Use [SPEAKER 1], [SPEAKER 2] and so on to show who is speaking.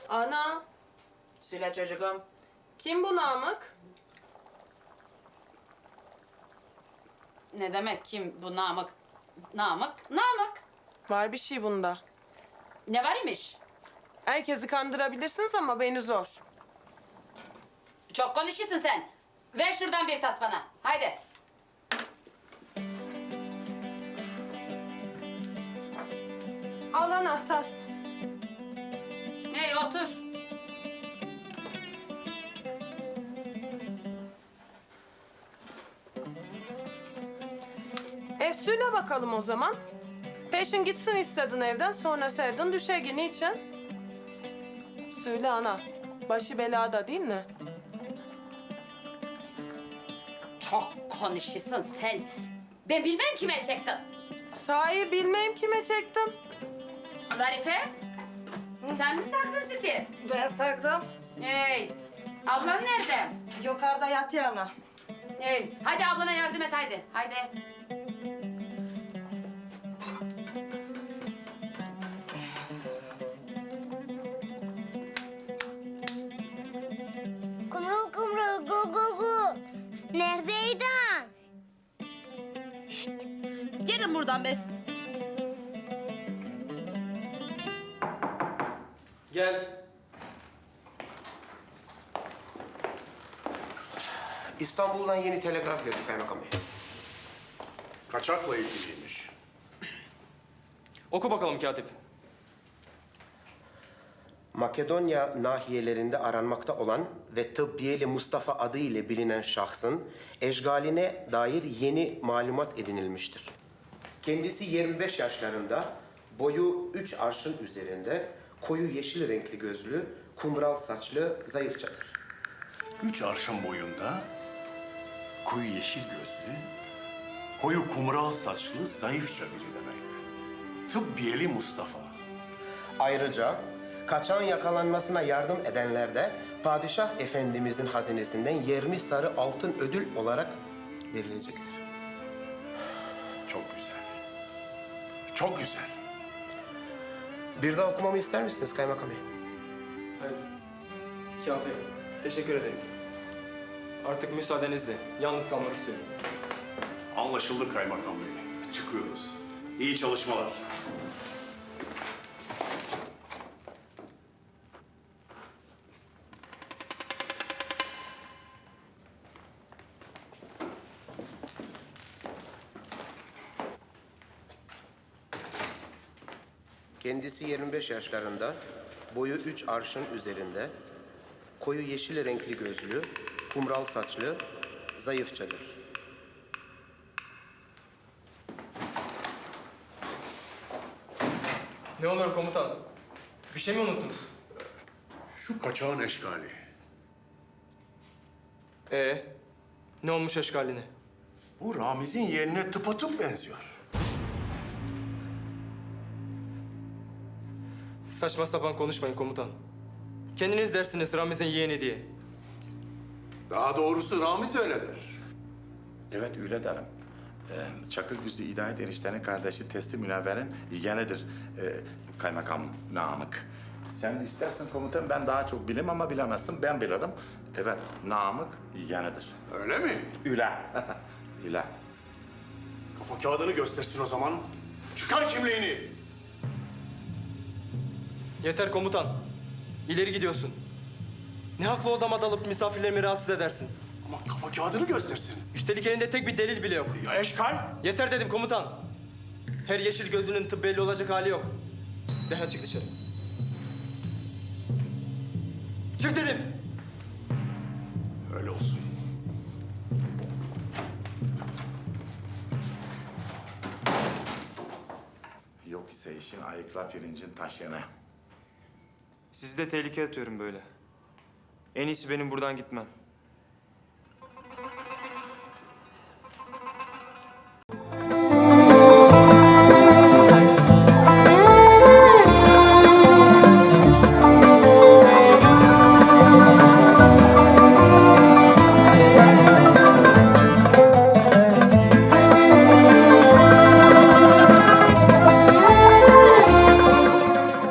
[SPEAKER 1] Ana,
[SPEAKER 2] Söyle çocuğum.
[SPEAKER 1] kim bu Namık?
[SPEAKER 3] Ne demek kim bu Namık? Namık.
[SPEAKER 1] Var bir şey bunda.
[SPEAKER 3] Ne var imiş?
[SPEAKER 1] Herkesi kandırabilirsiniz ama beni zor.
[SPEAKER 3] Çok konuşuyorsun sen. Ver şuradan bir tas bana. Haydi.
[SPEAKER 1] Al anahtas.
[SPEAKER 3] Hey otur.
[SPEAKER 1] Söyle bakalım o zaman. Peşin gitsin istedin evden, sonra serdin düşergi. Niçin? Söyle ana. Başı belada değil mi?
[SPEAKER 3] Çok konuşuyorsun sen. Ben bilmem kime çektin.
[SPEAKER 1] Sahi bilmeyim kime çektim.
[SPEAKER 3] Zarife. Sen mi saktın sütü?
[SPEAKER 2] Ben sakladım.
[SPEAKER 3] Hey. Ablan nerede?
[SPEAKER 2] Yukarıda yatıyor ana.
[SPEAKER 3] Hey. Haydi ablana yardım et haydi. Haydi.
[SPEAKER 4] Kumrul kumrul gu gu gu. Neredeydin?
[SPEAKER 2] Gelin buradan be.
[SPEAKER 5] Gel.
[SPEAKER 6] İstanbul'dan yeni telegraf geldi kaymakam bey.
[SPEAKER 7] Kaçakla ilgiliymiş.
[SPEAKER 5] Oku bakalım katip.
[SPEAKER 6] Makedonya nahiyelerinde aranmakta olan ve Tıbbiyeli Mustafa adı ile bilinen şahsın eşgaline dair yeni malumat edinilmiştir. Kendisi 25 yaşlarında, boyu 3 arşın üzerinde, koyu yeşil renkli gözlü, kumral saçlı, zayıfçadır.
[SPEAKER 7] 3 arşın boyunda, koyu yeşil gözlü, koyu kumral saçlı, zayıfça biri demek. Tıbbiyeli Mustafa.
[SPEAKER 6] Ayrıca kaçağın yakalanmasına yardım edenler de Padişah Efendimizin hazinesinden 20 sarı altın ödül olarak verilecektir.
[SPEAKER 7] Çok güzel. Çok güzel.
[SPEAKER 6] Bir daha okumamı ister misiniz kaymakam bey?
[SPEAKER 5] Hayır. Kafi. Teşekkür ederim. Artık müsaadenizle yalnız kalmak istiyorum.
[SPEAKER 7] Anlaşıldı kaymakam bey. Çıkıyoruz. İyi çalışmalar.
[SPEAKER 6] Kendisi 25 yaşlarında, boyu 3 arşın üzerinde, koyu yeşil renkli gözlü, kumral saçlı, zayıfçadır.
[SPEAKER 5] Ne olur komutan? Bir şey mi unuttunuz?
[SPEAKER 7] Şu kaçağın eşkali.
[SPEAKER 5] Ne olmuş eşkaline?
[SPEAKER 7] Bu Ramiz'in yeğenine tıpatıp benziyor.
[SPEAKER 5] Saçma sapan konuşmayın komutan. Kendiniz dersiniz Ramiz'in yeğeni diye.
[SPEAKER 7] Daha doğrusu Ramiz öyle der.
[SPEAKER 8] Evet öyle derim. Çakırgüzlü İdayet eniştenin kardeşi Testi Münevver'in yeğenidir kaymakam Namık. Sen istersin komutan ben daha çok bilim ama bilemezsin ben bilirim. Evet Namık yeğenidir.
[SPEAKER 7] Öyle mi?
[SPEAKER 8] Üle. Üle.
[SPEAKER 7] Kafa kağıdını göstersin o zaman. Çıkar kimliğini.
[SPEAKER 5] Yeter komutan. İleri gidiyorsun. Ne haklı odama dalıp misafirlerimi rahatsız edersin.
[SPEAKER 7] Ama kafa kağıdını göstersin.
[SPEAKER 5] Üstelik elinde tek bir delil bile yok.
[SPEAKER 7] Ya eşkal?
[SPEAKER 5] Yeter dedim komutan. Her yeşil gözlünün tıp belli olacak hali yok. Derhal çık dışarı. Çık dedim.
[SPEAKER 7] Öyle olsun.
[SPEAKER 8] Yok ise işin ayıkla pirincin taşını.
[SPEAKER 9] Sizi de tehlikeye atıyorum böyle. En iyisi benim buradan gitmem.